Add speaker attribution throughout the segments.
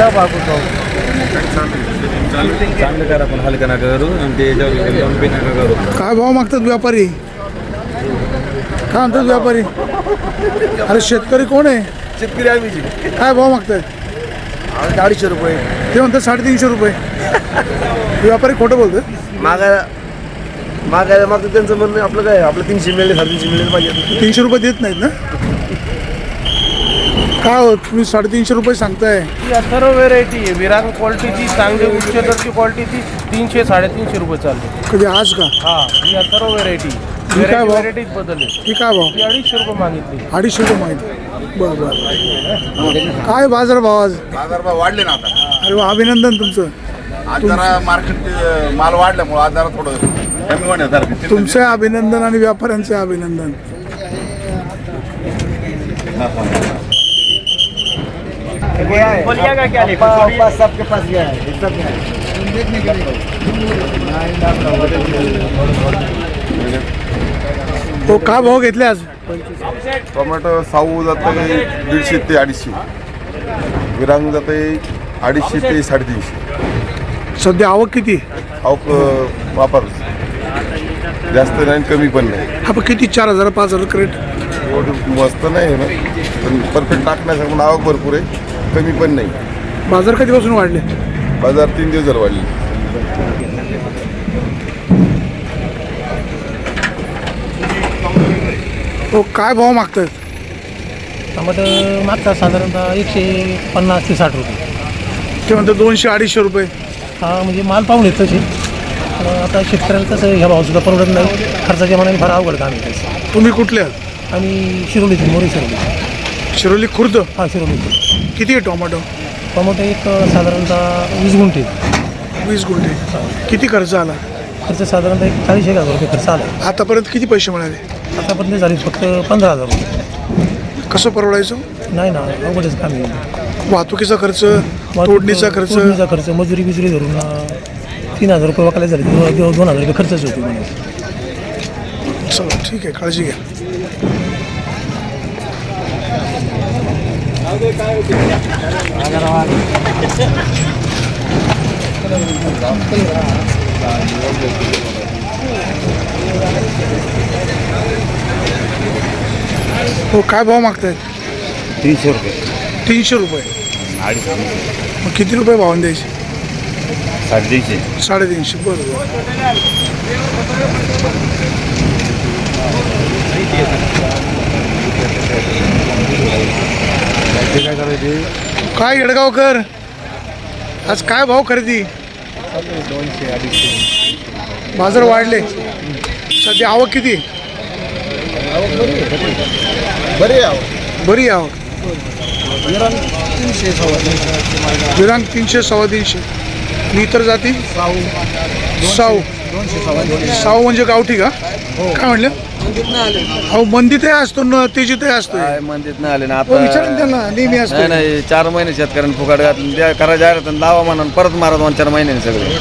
Speaker 1: क्या बाबू भाऊ
Speaker 2: चांगलं करा पण हलका नका करू आणि ते लंबी नका करू.
Speaker 3: काय भाव मागतात व्यापारी? काय म्हणतात व्यापारी? अरे शेतकरी कोण आहे?
Speaker 2: शेतकरी आम्ही
Speaker 3: काय भाव मागतायत?
Speaker 2: 250 रुपये
Speaker 3: ते म्हणतात 350 रुपये. व्यापारी खोटं बोलतात.
Speaker 2: मागायला मागतं त्यांचं म्हणणं आपलं काय आपलं 300 मिळेल 350 मिळेल पाहिजे.
Speaker 3: 300 रुपये देत नाहीत ना? काय हो तुम्ही 350 रुपये सांगताय?
Speaker 1: ही सर्व व्हेरायटी आहे. विरांग क्वालिटीची चांगली उच्च दर्जाची क्वालिटीची 300 350 रुपये चालते.
Speaker 3: कधी आज का?
Speaker 1: हा ही सर्व व्हेरायटी
Speaker 3: काय भाव?
Speaker 1: व्हेरायटीज बदलली.
Speaker 3: ही काय भाव?
Speaker 1: ही 250 रुपये मागितली.
Speaker 3: 250 रुपये माहिती. बरं बरं. काय बाजार भाव आज?
Speaker 4: बाजारभाव वाढले ना आता.
Speaker 3: अरे वा, अभिनंदन तुमचं.
Speaker 4: आज जरा मार्केट माल वाढल्यामुळे आज जरा थोडं कमी होण्यासारखं.
Speaker 3: तुमचे अभिनंदन आणि व्यापाऱ्यांचे अभिनंदन.
Speaker 1: सबके पास गया है.
Speaker 3: हो काय भाव घेतले आज?
Speaker 4: टोमॅटो साऊ जाते 150 ते 250. विरांग जाते 250 ते 350.
Speaker 3: सध्या आवक किती?
Speaker 4: अवक वापर जास्त नाही कमी पण नाही.
Speaker 3: हा पण किती? 4,000 5,000 क्रेट?
Speaker 4: एवढं मस्त नाही आहे ना, पण परफेक्ट टाकण्यासारखं म्हणून आवक भरपूर आहे, कमी पण नाही.
Speaker 3: बाजार कधीपासून वाढले?
Speaker 4: बाजार 3 दिवस जर वाढले.
Speaker 3: हो काय भाव मागतात?
Speaker 5: टमाटर मागतात साधारणतः 150 ते 60 रुपये.
Speaker 3: ते म्हणतात 200-250 रुपये.
Speaker 5: हा म्हणजे माल पाहून येत तसे. आता शेतकऱ्याला कसं ह्या भावसुद्धा परवडत नाही. खर्चाच्या मनाने फार अवघड काम आहे त्याचं.
Speaker 3: तुम्ही कुठले आहात?
Speaker 5: आणि शिरोलीतून मोरी शिरोली.
Speaker 3: शिरोली खुर्द.
Speaker 5: हा शिरोलीतून.
Speaker 3: किती आहे टोमॅटो?
Speaker 5: टमाटो एक साधारणतः 20 गुंठे.
Speaker 3: 20 गुंठे. किती खर्च आला?
Speaker 5: खर्च साधारणतः एक 40,000 रुपये खर्च आला.
Speaker 3: आतापर्यंत किती पैसे मिळाले?
Speaker 5: आतापर्यंत झाले फक्त 15,000 रुपये.
Speaker 3: कसं परवडायचं?
Speaker 5: नाही ना, अवघडच काम आहे.
Speaker 3: वाहतुकीचा खर्च, तोडणीचा खर्च,
Speaker 5: मजुरी बिजुरी धरून 3,000 रुपये वाकायला झाले. 2,000 रुपये खर्चच होते म्हणे.
Speaker 3: चला ठीक आहे, काळजी घ्या. हो काय भाव मागतायत?
Speaker 2: 300 रुपये
Speaker 3: 300 रुपये.
Speaker 2: 250
Speaker 3: मग किती रुपये भावाने द्यायचे?
Speaker 2: 350
Speaker 3: 350. बरोबर.
Speaker 2: काय करायचे?
Speaker 3: काय येडगावकर आज काय भाव खरेदी?
Speaker 2: 200-250
Speaker 3: बाजार वाढले. सध्या आवक किती?
Speaker 4: बरे
Speaker 3: बरी आवक. विरांग 300 350. आणि इतर जाती? साऊ. साऊ म्हणजे गावठी का? काय म्हणलं? अहो मंदीतही असतो ना, तेजीतही असतो.
Speaker 2: मंदिर नाही आले ना
Speaker 3: हो, विचारा ना त्यांना. नेहमी असतो.
Speaker 2: नाही 4 महिने शेतकऱ्यांनी फुकाट घातलं करा जाहिरात लावा म्हणा परत मारा 2-4 महिन्याने सगळे.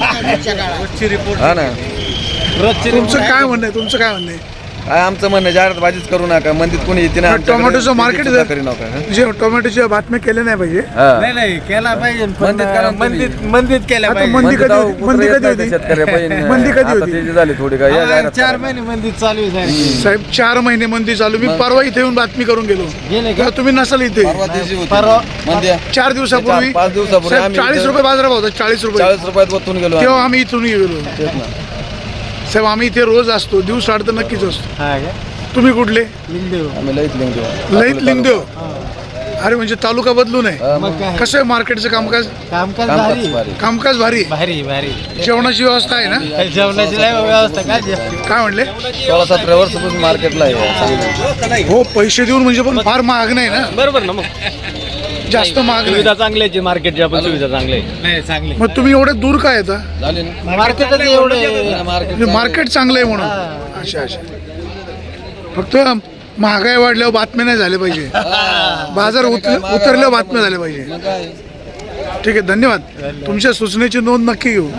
Speaker 2: हा ना.
Speaker 3: तुमचं काय म्हणणं आहे? तुमचं काय म्हणणं आहे?
Speaker 2: काय आमचं म्हणणं जाहिरात बाजीच करू नका. मंदिर कोणी येते ना
Speaker 3: टोमॅटोचं मार्केट
Speaker 2: करू नका.
Speaker 3: जे टोमॅटोच्या बातम्या केल्या नाही पाहिजे.
Speaker 1: नाही केला पाहिजे.
Speaker 2: मंदित
Speaker 1: केल्या
Speaker 3: आता मंदी कधी होती? मंदी कधी होती? मंदी कधी होती?
Speaker 2: झाली थोडी काय या जाहिरात
Speaker 1: 4 महिने मंदिर चालू आहे.
Speaker 3: साहेब 4 महिने मंदी चालू. मी परवा इथे येऊन बातमी करून गेलो. तेव्हा तुम्ही नसाल इथे.
Speaker 1: परवा
Speaker 3: 4 दिवसापूर्वी
Speaker 2: 5 दिवसापूर्वी
Speaker 3: साहेब 40 रुपये बाजारात होता. 40 रुपये
Speaker 2: 40 रुपयात वतून गेलो.
Speaker 3: तेव्हा आम्ही इथून गेलो. साहेब आम्ही इथे रोज असतो. दिवस आड तर नक्कीच असतो. तुम्ही कुठले?
Speaker 2: आम्ही लईत
Speaker 3: लईत लिंगदेव. अरे म्हणजे तालुका बदलू नये. कसं आहे मार्केटचं कामकाज? कामकाज भारी. जेवणाची व्यवस्था आहे ना?
Speaker 1: जेवणाची व्यवस्था
Speaker 3: काय म्हणले?
Speaker 2: 16-17 वर्षापासून मार्केटला आहे.
Speaker 3: हो पैसे देऊन म्हणजे पण फार महाग नाही ना?
Speaker 1: बरोबर ना. मग
Speaker 3: जास्त महाग नाही.
Speaker 1: सुविधा चांगल्याची मार्केटची आपण सुविधा चांगली.
Speaker 3: मग तुम्ही एवढे दूर काय येता?
Speaker 2: झाले ना
Speaker 1: मार्केटच एवढे
Speaker 3: मार्केट चांगलं आहे म्हणून. अच्छा अच्छा. फक्त महागाई वाढल्यावर बातम्या नाही झाल्या पाहिजे. बाजार उतरल्यावर बातम्या झाल्या पाहिजे. ठीक आहे, धन्यवाद. तुमच्या सूचनेची नोंद नक्की घेऊ.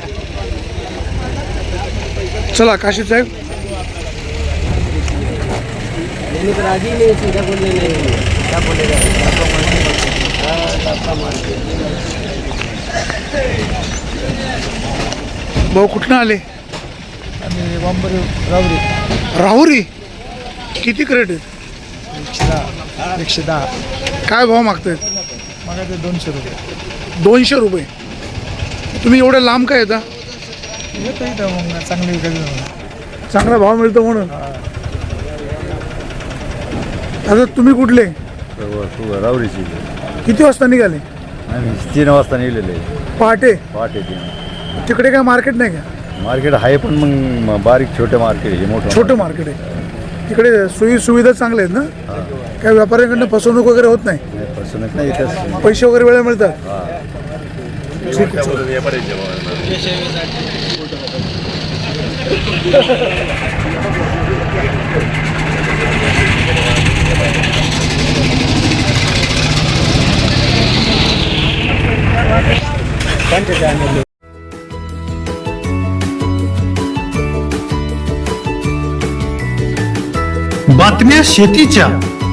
Speaker 3: चला काशीद साहेब. भाऊ कुठनं आले? राहुरी. किती क्रेट आहेत?
Speaker 5: 110.
Speaker 3: काय भाव मागतायत?
Speaker 5: मला ते 200 रुपये.
Speaker 3: 200 रुपये. तुम्ही एवढ्या लांब काय येता?
Speaker 5: येतो इथं मग चांगली
Speaker 3: चांगला भाव मिळतो म्हणून. आता तुम्ही कुठले?
Speaker 2: रावरीची
Speaker 3: किती वाजता निघाले?
Speaker 2: 3 वाजता निघलेले.
Speaker 3: पहाटे.
Speaker 2: पहाटे 3.
Speaker 3: तिकडे काय मार्केट नाही का?
Speaker 2: मार्केट आहे पण मग बारीक छोटे मार्केट आहे, मोठं
Speaker 3: छोटं मार्केट आहे. तिकडे सोयी सुविधा चांगल्या आहेत ना? काय व्यापाऱ्यांकडनं फसवणूक वगैरे होत नाही?
Speaker 2: फसवणूक नाही इथंच.
Speaker 3: पैसे वगैरे वेळेला मिळतात? ठीक आहे.
Speaker 6: बातम्या शेतीच्या,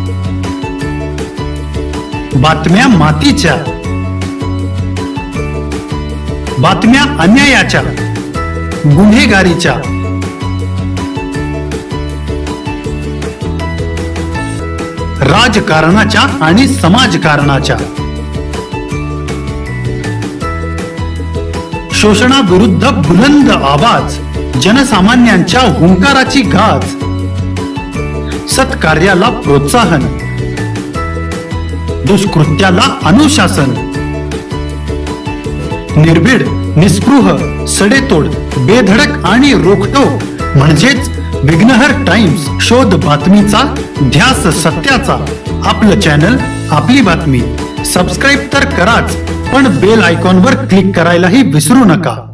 Speaker 6: बातम्या मातीच्या, बातम्या अन्यायाच्या, गुन्हेगारीच्या, राजकारणाच्या आणि समाजकारणाच्या, शोषणाविरुद्ध बुलंद आवाज, जनसामान्यांच्या हुंकाराची गाज, सत्कार्याला प्रोत्साहन, दुष्कृत्याला अनुशासन, निर्भीड, निस्पृह, सडेतोड, बेधडक आणि रोखटोक म्हणजेच विघ्नहर टाइम्स. शोध बातमीचा, ध्यास सत्याचा. आपलं चॅनल, आपली बातमी. सबस्क्राईब तर कराच, पण बेल आयकॉनवर क्लिक करायलाही विसरू नका.